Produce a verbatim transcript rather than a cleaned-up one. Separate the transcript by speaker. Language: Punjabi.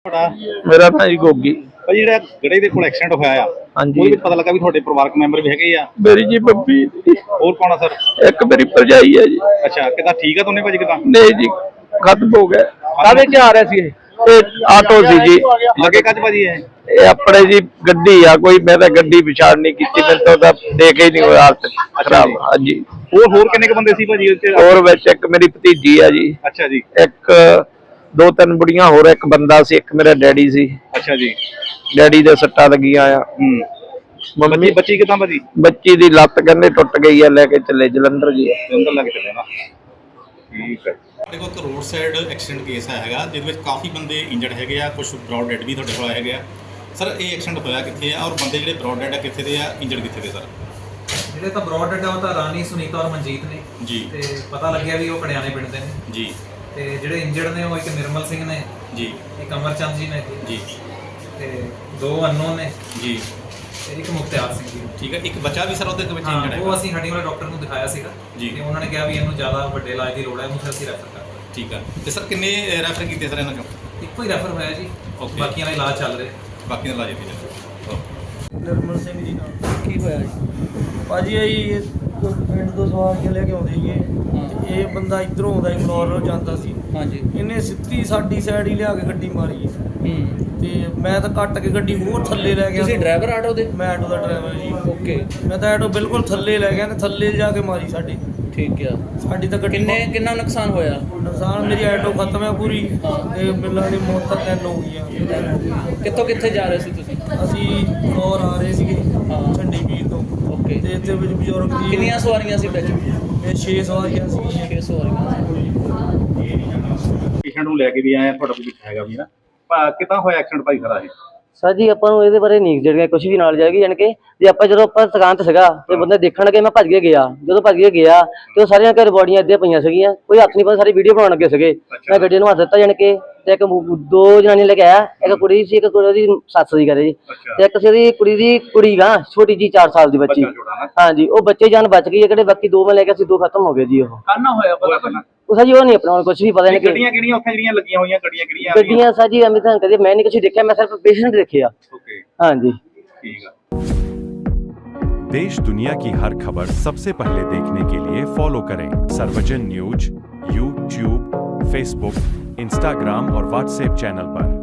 Speaker 1: ਤੁਹਾਡਾ
Speaker 2: ਮੇਰਾ ਨਾਂ ਜੀ ਗੋਗੀ।
Speaker 1: ਭਾਜੀ ਜਿਹੜਾ ਗੜੇ ਦੇ ਕੋਲ ਐਕਸੀਡੈਂਟ ਹੋਇਆ ਆ,
Speaker 2: ਹਾਂਜੀ
Speaker 1: ਉਹਦੇ ਵਿੱਚ ਪਤਾ ਲੱਗਾ ਵੀ ਤੁਹਾਡੇ ਪਰਿਵਾਰਕ ਮੈਂਬਰ ਵੀ ਹੈਗੇ ਆ।
Speaker 2: ਮੇਰੀ ਜੀ ਬੱਬੀ,
Speaker 1: ਹੋਰ ਕੌਣ ਆ ਸਰ?
Speaker 2: ਇੱਕ ਮੇਰੀ ਭਰਜਾਈ ਹੈ ਜੀ।
Speaker 1: ਅੱਛਾ, ਕਿਦਾਂ ਠੀਕ ਆ ਦੋਨੇ ਭਾਜੀ? ਕਿਦਾਂ
Speaker 2: ਨਹੀਂ ਜੀ, ਖਤਮ ਹੋ ਗਿਆ। ਕਾਹਦੇ ਚ ਆ ਰਿਹਾ ਸੀ ਇਹ? ਇਹ ਆਟੋ ਸੀ ਜੀ।
Speaker 1: ਲੱਗੇ ਕੱਜ ਭਾਜੀ ਇਹ?
Speaker 2: ਇਹ ਆਪਣੇ ਜੀ ਗੱਡੀ ਆ ਕੋਈ, ਮੈਂ ਤਾਂ ਗੱਡੀ ਪਛਾਣ ਨਹੀਂ ਕੀਤੀ, ਮੈਨੂੰ ਤਾਂ ਉਹਦਾ ਦੇਖ ਹੀ ਨਹੀਂ ਹੋਇਆ, ਹਾਲਤ ਖਰਾਬ। ਹਾਂਜੀ।
Speaker 1: ਹੋਰ ਹੋਰ ਕਿੰਨੇ ਕ ਬੰਦੇ ਸੀ ਭਾਜੀ ਉੱਥੇ?
Speaker 2: ਹੋਰ ਵਿੱਚ ਇੱਕ ਮੇਰੀ ਭਤੀਜੀ ਆ ਜੀ।
Speaker 1: ਅੱਛਾ ਜੀ।
Speaker 2: ਇੱਕ ਦੋ ਤਿੰਨ ਬੁੜੀਆਂ ਹੋਰ, ਇੱਕ ਬੰਦਾ ਸੀ, ਇੱਕ ਮੇਰਾ ਡੈਡੀ ਸੀ।
Speaker 1: ਅੱਛਾ ਜੀ।
Speaker 2: ਡੈਡੀ ਦੇ ਸੱਟਾਂ ਲੱਗੀਆਂ ਆ।
Speaker 1: ਹੂੰ। ਮੰਮੀ ਬੱਚੀ ਕਿਦਾਂ ਭਾਜੀ?
Speaker 2: ਬੱਚੀ ਦੀ ਲੱਤ ਕਹਿੰਦੇ ਟੁੱਟ ਗਈ ਆ, ਲੈ ਕੇ ਚੱਲੇ ਜਲੰਧਰ ਜੀ।
Speaker 1: ਜਲੰਧਰ ਲੈ ਕੇ ਚੱਲੇ ਨਾ। ਠੀਕ ਹੈ।
Speaker 3: ਸਾਡੇ ਕੋਲ ਇੱਕ ਰੋਡ ਸਾਈਡ ਐਕਸੀਡੈਂਟ ਕੇਸ ਹੈਗਾ, ਜਿਹਦੇ ਵਿੱਚ ਕਾਫੀ ਬੰਦੇ ਇੰਜਰਡ ਹੈਗੇ ਆ, ਕੁਝ ਬ੍ਰੌਡ ਡੈਡ ਵੀ ਤੁਹਾਡੇ ਕੋਲ ਆਏ ਹੈਗੇ ਆ। ਸਰ ਇਹ ਐਕਸੀਡੈਂਟ ਹੋਇਆ ਕਿੱਥੇ ਆ, ਔਰ ਬੰਦੇ ਜਿਹੜੇ ਬ੍ਰੌਡ ਡੈਡ ਆ ਕਿੱਥੇ ਦੇ ਆ, ਇੰਜਰਡ ਕਿੱਥੇ ਦੇ? ਸਰ
Speaker 4: ਜਿਹੜੇ ਤਾਂ ਬ੍ਰੌਡ ਡੈਡ ਆ ਉਹ ਤਾਂ ਰਾਣੀ, ਸੁਨੀਤਾ ਔਰ ਮਨਜੀਤ ਨੇ
Speaker 3: ਜੀ।
Speaker 4: ਤੇ ਪਤਾ ਲੱਗਿਆ ਵੀ ਉਹ ਕੜਿਆਣੇ ਪਿੰਡ ਦੇ ਨੇ
Speaker 3: ਜੀ।
Speaker 4: ਤੇ ਜਿਹੜੇ ਇੰਜਰਡ ਨੇ ਉਹ ਇੱਕ ਨਿਰਮਲ ਸਿੰਘ ਨੇ
Speaker 3: ਜੀ,
Speaker 4: ਇੱਕ ਅਮਰਚੰਦ ਜੀ ਨੇ
Speaker 3: ਜੀ,
Speaker 4: ਤੇ ਦੋ ਅਨਨੋਨ ਨੇ
Speaker 3: ਜੀ।
Speaker 4: ਤੇ ਇੱਕ ਮੁਖਤਿਆਰ ਸਿੰਘ ਜੀ।
Speaker 3: ਠੀਕ ਹੈ। ਇੱਕ ਬੱਚਾ ਵੀ ਸਰ ਉਹਦੇ ਵਿੱਚ
Speaker 4: ਹਾਂ,
Speaker 3: ਇੰਜਰਡ
Speaker 4: ਉਹ
Speaker 3: ਹੈਗਾ?
Speaker 4: ਅਸੀਂ ਹੱਡੀ ਵਾਲੇ ਡਾਕਟਰ ਨੂੰ ਦਿਖਾਇਆ ਸੀਗਾ
Speaker 3: ਜੀ।
Speaker 4: ਤੇ ਉਹਨਾਂ ਨੇ ਕਿਹਾ ਵੀ ਇਹਨੂੰ ਜ਼ਿਆਦਾ ਵੱਡੇ ਇਲਾਜ ਦੀ ਲੋੜ ਹੈ, ਉਹਨੂੰ ਫਿਰ ਅਸੀਂ ਰੈਫਰ ਕਰਤਾ।
Speaker 3: ਠੀਕ ਹੈ। ਤੇ ਸਰ ਕਿੰਨੇ ਰੈਫਰ ਕੀਤੇ ਸਰ ਇਹਨਾਂ ਚੋਂ?
Speaker 4: ਇੱਕੋ ਹੀ ਰੈਫਰ ਹੋਇਆ ਜੀ,
Speaker 3: Okay।
Speaker 4: ਬਾਕੀਆਂ ਦਾ ਇਲਾਜ ਚੱਲ ਰਿਹਾ।
Speaker 3: ਬਾਕੀ ਦਾ ਇਲਾਜ ਇੱਥੇ ਚੱਲ
Speaker 5: ਨਿਰਮਲ ਸਿੰਘ ਜੀ ਨਾਲ ਕੀ ਹੋਇਆ ਜੀ? ਭਾਜੀ ਇਹ ਪਿੰਡ ਤੋਂ ਸਵਾਰੀਆਂ ਲੈ ਕੇ ਆਉਂਦੇ ਸੀਗੇ ਤੇ ਇਹ ਬੰਦਾ ਇਧਰੋਂ ਆਉਂਦਾ ਸੀ, ਮਨੌਰ ਜਾਂਦਾ ਸੀ।
Speaker 6: ਹਾਂਜੀ।
Speaker 5: ਇਹਨੇ ਸਿੱਧੀ ਸਾਡੀ ਸਾਈਡ ਹੀ ਲਿਆ ਕੇ ਗੱਡੀ ਮਾਰੀ
Speaker 6: ਹੂੰ।
Speaker 5: ਤੇ ਮੈਂ ਤਾਂ ਕੱਟ ਕੇ ਗੱਡੀ ਹੋਰ ਥੱਲੇ ਲੈ ਗਿਆ।
Speaker 6: ਤੁਸੀਂ ਡਰਾਈਵਰ ਆਟੋ ਦੇ?
Speaker 5: ਮੈਂ ਆਟੋ ਦਾ ਡਰਾਈਵਰ ਜੀ।
Speaker 6: ਓਕੇ।
Speaker 5: ਮੈਂ ਤਾਂ ਆਟੋ ਬਿਲਕੁਲ ਥੱਲੇ ਲੈ ਗਿਆ ਤੇ ਥੱਲੇ ਜਾ ਕੇ ਮਾਰੀ ਸਾਡੀ
Speaker 6: ਠੀਕ ਆ।
Speaker 5: ਸਾਡੀ ਤਾਂ ਗੱਡੀ
Speaker 6: ਕਿੰਨੇ ਕਿੰਨਾ ਨੁਕਸਾਨ ਹੋਇਆ?
Speaker 5: ਨੁਕਸਾਨ ਮੇਰੀ ਆਟੋ ਖਤਮ ਹੈ ਪੂਰੀ ਤੇ ਬਿੱਲਾਂ ਦੀ ਮੌਤਾਂ ਤਿੰਨ ਹੋ ਗਈਆਂ।
Speaker 6: ਕਿੱਥੋਂ ਕਿੱਥੇ ਜਾ ਰਹੇ ਸੀ ਤੁਸੀਂ?
Speaker 5: ਅਸੀਂ ਮਨੌਰ ਆ ਰਹੇ ਸੀਗੇ
Speaker 6: ਹਾਂ।
Speaker 5: ਝੰਡੀ ਵੀਰ ਤੋਂ।
Speaker 6: ਓਕੇ।
Speaker 5: ਤੇ ਇੱਥੇ ਵਿੱਚ ਬਜ਼ੁਰਗ ਜੀ
Speaker 6: ਕਿੰਨੀਆਂ ਸਵਾਰੀਆਂ ਸੀ ਵਿੱਚ?
Speaker 5: ਇਹ ਛੇ ਸਵਾਰੀਆਂ ਸੀ।
Speaker 6: ਛੇ ਸਵਾਰੀਆਂ।
Speaker 1: ਪੇਸ਼ੈਂਟ ਨੂੰ ਲੈ ਕੇ ਵੀ ਆਏ ਆ, ਤੁਹਾਡਾ ਕੋਈ ਹੈਗਾ ਵੀ ਨਾ? ਕਿਦਾਂ ਹੋਇਆ ਐਕਸੀਡੈਂਟ ਭਾਈ ਖਰਾ ਇਹ?
Speaker 7: ਸਰ ਜੀ ਆਪਾਂ ਨੂੰ ਇਹਦੇ ਬਾਰੇ ਨਹੀਂ ਜਿਹੜੀਆਂ ਕੁਝ ਵੀ ਨਾਲ ਜਾਏਗੀ, ਜਾਣੀ ਕਿ ਜੇ ਆਪਾਂ ਜਦੋਂ ਆਪਾਂ ਦੁਕਾਨ ਤੇ ਸੀਗਾ ਤੇ ਬੰਦੇ ਦੇਖਣ ਲੱਗੇ, ਮੈਂ ਭੱਜ ਕੇ ਗਿਆ। ਜਦੋਂ ਭੱਜ ਕੇ ਗਿਆ ਤੇ ਉਹ ਸਾਰੀਆਂ ਘਰ ਬੋਡੀਆਂ ਇੱਦਾਂ ਪਈਆਂ ਸੀਗੀਆਂ, ਕੋਈ ਹੱਥ ਨਹੀਂ ਪਾ, ਸਾਰੀ ਵੀਡੀਓ ਬਣਾਉਣ ਲੱਗੇ ਸੀਗੇ। ਮੈਂ ਗੱਡੀ ਨੂੰ ਹੱਥ ਦਿੱਤਾ, ਜਾਣੀ ਕਿ ਤੇ ਇੱਕ ਦੋ ਜਨਾਨੀਆਂ ਲੈ ਕੇ ਆਇਆ, ਇੱਕ ਕੁੜੀ ਸੀ, ਇੱਕ ਕੁੜੀ ਦੀ ਸੱਸ ਸੀ ਘਰੇ ਜੀ, ਤੇ ਇੱਕ ਸੀ ਦੀ ਕੁੜੀ ਦੀ ਕੁੜੀ ਗਾ ਛੋਟੀ ਜੀ ਚਾਰ ਸਾਲ ਦੀ ਬੱਚੀ। ਹਾਂਜੀ, ਉਹ ਬੱਚੇ ਜਾਨ ਬਚ ਗਈ ਹੈ, ਕਿਹੜੇ ਬਾਕੀ ਦੋ ਮੈਂ ਲੈ ਕੇ ਸੀ, ਦੋ ਖਤਮ ਹੋ ਗਏ ਜੀ। ਉਹ
Speaker 1: ਕਾਹਨਾ ਹੋਇਆ ਪਤਾ?
Speaker 7: ਉਹ ਸਰ ਜੀ ਉਹ ਨਹੀਂ ਆਪਣਾ ਹੁਣ ਕੁਝ ਵੀ ਪਤਾ ਨਹੀਂ।
Speaker 1: ਗੱਡੀਆਂ ਕਿਹੜੀਆਂ ਉੱਥੇ ਜਿਹੜੀਆਂ ਲੱਗੀਆਂ ਹੋਈਆਂ, ਗੱਡੀਆਂ ਕਿਹੜੀਆਂ?
Speaker 7: ਗੱਡੀਆਂ ਸਰ ਜੀ ਅਮਿਤ ਕਦੇ ਮੈਂ ਨਹੀਂ ਕੁਝ ਦੇਖਿਆ, ਮੈਂ ਸਿਰਫ ਪੇਸ਼ੈਂਟ ਦੇਖਿਆ।
Speaker 1: ਓਕੇ।
Speaker 7: ਹਾਂਜੀ
Speaker 1: ਠੀਕ ਆ।
Speaker 8: देश दुनिया की हर खबर सबसे पहले देखने के लिए फॉलो करें Sarvajan news YouTube, Facebook, Instagram और व्हाट्सएप चैनल पर।